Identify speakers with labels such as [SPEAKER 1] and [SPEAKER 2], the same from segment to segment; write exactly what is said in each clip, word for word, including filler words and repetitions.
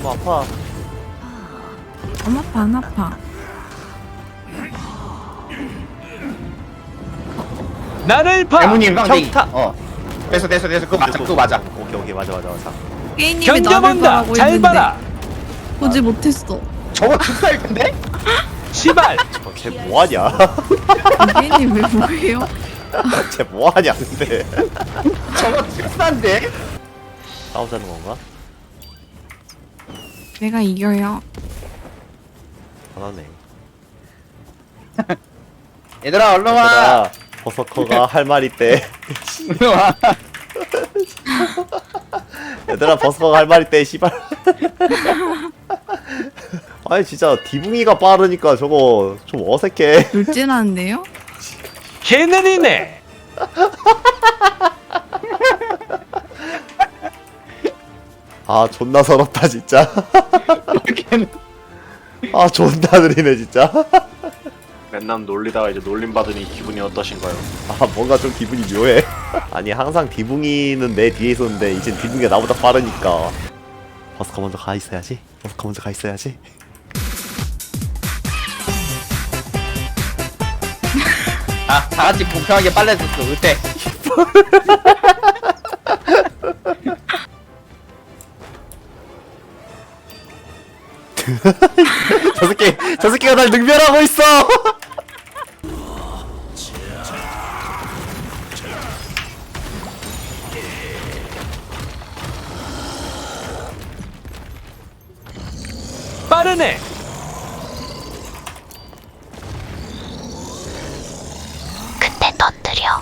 [SPEAKER 1] 너무 아파.
[SPEAKER 2] 안 아파 안 아파.
[SPEAKER 3] 나를 봐.
[SPEAKER 4] 대문님 빵댕이.
[SPEAKER 1] 평타.
[SPEAKER 4] 어. 됐어 됐어 됐어. 그거 맞아 그거 맞아.
[SPEAKER 1] 오케이 오케이 맞아 맞아 맞아.
[SPEAKER 2] 게임님이 나를
[SPEAKER 3] 견뎌본다.
[SPEAKER 2] 바라고
[SPEAKER 3] 잘
[SPEAKER 2] 했는데
[SPEAKER 3] 봐라.
[SPEAKER 2] 보지 못했어.
[SPEAKER 4] 저거 죽살 텐데?
[SPEAKER 3] 시발.
[SPEAKER 1] 쟤 뭐하냐?
[SPEAKER 2] 게임님 왜 뭐예요?
[SPEAKER 1] 쟤 뭐하냐 근데.
[SPEAKER 4] 저거 죽산데?
[SPEAKER 1] 싸우자는 건가?
[SPEAKER 2] 내가 이겨요.
[SPEAKER 1] 화나네.
[SPEAKER 4] 얘들아 얼른 와.
[SPEAKER 1] 얘들아 버서커가 할 말 있대.
[SPEAKER 4] 얼른 와.
[SPEAKER 1] 얘들아 버서커가 할 말 있대 씨발. 아니 진짜 디붕이가 빠르니까 저거 좀 어색해.
[SPEAKER 2] 돌진하는데요?
[SPEAKER 3] 개느리네.
[SPEAKER 1] 아 존나 서럽다 진짜.
[SPEAKER 4] 이렇게는
[SPEAKER 1] 아 존나 느리네 진짜.
[SPEAKER 5] 맨날 놀리다가 이제 놀림 받으니 기분이 어떠신가요?
[SPEAKER 1] 아 뭔가 좀 기분이 묘해. 아니 항상 디붕이는 내 뒤에 있었는데 이젠 디붕이가 나보다 빠르니까. 버스커 먼저 가 있어야지. 버스커 먼저 가 있어야지.
[SPEAKER 4] 아, 다 같이 공평하게 빨래줬어. 어때?
[SPEAKER 1] 저 새끼 저 새끼가 날 능멸하고 있어.
[SPEAKER 3] 빠르네.
[SPEAKER 6] 근데 터뜨려.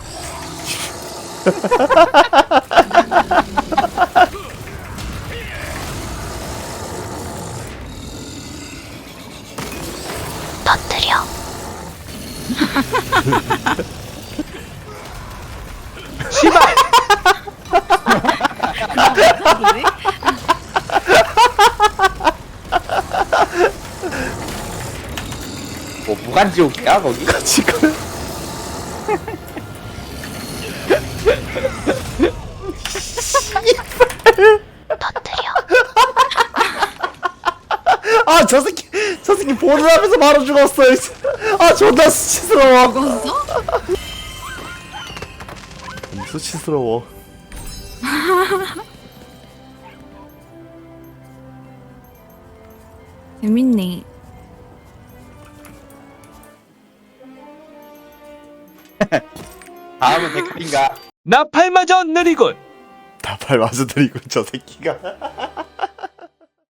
[SPEAKER 6] 터뜨려.
[SPEAKER 3] 시발.
[SPEAKER 4] 뭐 무간지옥이야 거기?
[SPEAKER 1] 지금
[SPEAKER 6] 터뜨려.
[SPEAKER 1] 아 저 새끼 저 새끼 보는 앞에서 바로 죽었어. 아 존나 수치스러워.
[SPEAKER 2] 죽었어?
[SPEAKER 1] 수치스러워.
[SPEAKER 2] 재밌네.
[SPEAKER 4] 다음은 데칼인가?
[SPEAKER 3] 나팔마저 느리군.
[SPEAKER 1] 나팔 맞아들이고 저 새끼가.